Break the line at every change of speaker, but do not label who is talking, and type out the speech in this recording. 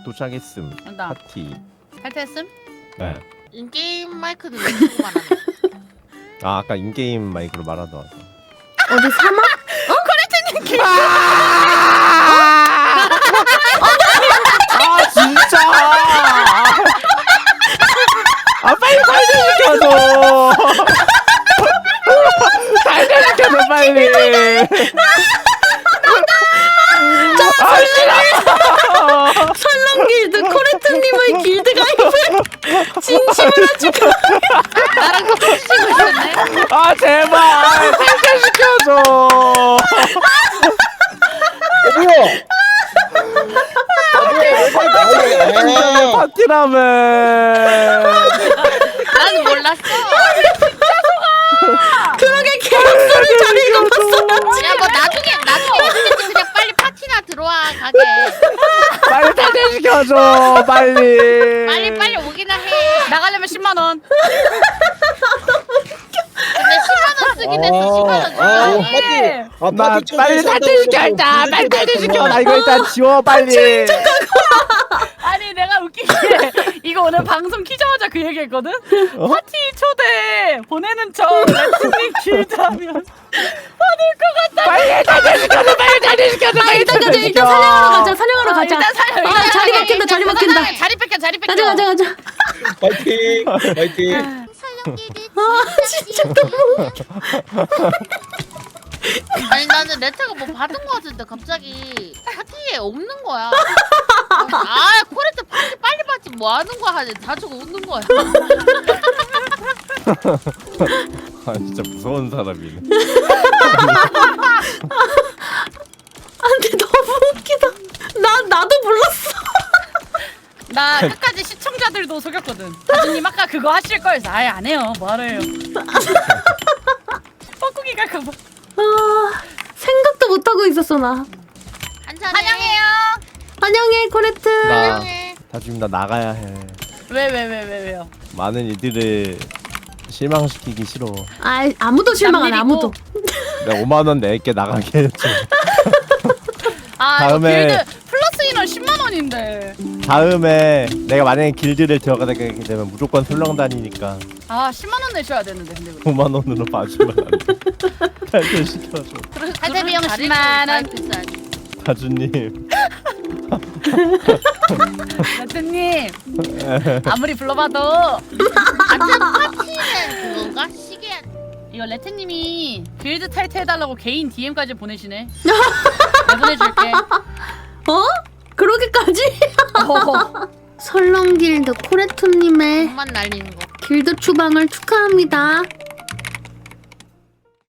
도착했음.
간다.
파티.
탈퇴했음?
네.
인게임 마이크는 왜 쓰고 말하는
아 아까 인게임 마이크로 말하다 와서.
어디 사막?
아 진짜. 아 빨리 탈퇴시켜줘. 탈퇴시켜줘 빨리. 아 싫어.
설렁길드 코레트님의 길드 가입을 진심으로 축하.
나랑 같이 치고 있었네.
아 제발 탈퇴시켜줘.
뭐야?
파티라며.
난 몰랐어.
그러게 계약서를 잘 읽어봤어.
야 뭐 나중에 언제든지 그냥 빨리 파티나 들어와 가게.
빨리 탈퇴시켜줘 빨리.
빨리 오기나 해.
나가려면 10만 원.
근데 10만 원 쓰긴 했어. 10만 원 줘야 돼.
나 빨리 탈퇴시켜 일단. 빨리 탈퇴시켜. 나 이거 일단 지워 빨리.
아니 내가 웃기게 이거 오늘 방송 키자마자 그 얘기했거든? 파티 초대 보내는 척 레트님 길드하면 받을 것 같다.
빨리 탈퇴시켜줘. 빨리 탈퇴시켜줘. 빨리
일단
탈퇴시켜.
사냥하러 가자.
일단 사요.
아, 자리 바뀐다. 자리 바뀐다.
자리 뺏겨.
가자.
파이팅! 파이팅!
아 진짜 너무.
아니 나는 레타가 뭐 받은 거 같은데 갑자기 파티에 없는 거야. 아 코레트 파티 빨리 받지 뭐 하는 거야 하니 다 주고 웃는 거야.
아 진짜 무서운 사람이네.
안돼 너무 웃기다. 나도 몰랐어.
나 끝까지 시청자들도 속였거든. 다주님 아까 그거 하실 거여서 아예 안 해요. 뭐하래요. 뻐꾸기 갈까봐.
아 생각도 못 하고 있었어 나.
한잔해.
환영해요.
환영해 코레트.
나 다짐 나 나가야 해.
왜요?
많은 이들을 실망시키기 싫어.
아 아무도 실망 안 해.
남일이고.
아무도.
내가 5만 원 낼게 나가게 해줘.
아
다음에-
이거 길드 플러스 인원 10만 원인데.
다음에 내가 만약에 길드를 들어가게 되면 무조건 설렁다니니까
아 10만 원 내셔야 되는데 근데 우리.
5만 원으로 봐주면 안 돼. 탈퇴시켜줘.
탈퇴 비용
잘해주고
10만 원.
비싸지.
다주님.
레트님 아무리 불러봐도
같은 파티는 그건가? 시계.
이거 레트님이 길드 탈퇴해달라고 개인 DM까지 보내시네. 내가 보내줄게.
어? 그러게까지? 설렁길드 코레트님의
돈만 날리는 거.
길드 추방을 축하합니다.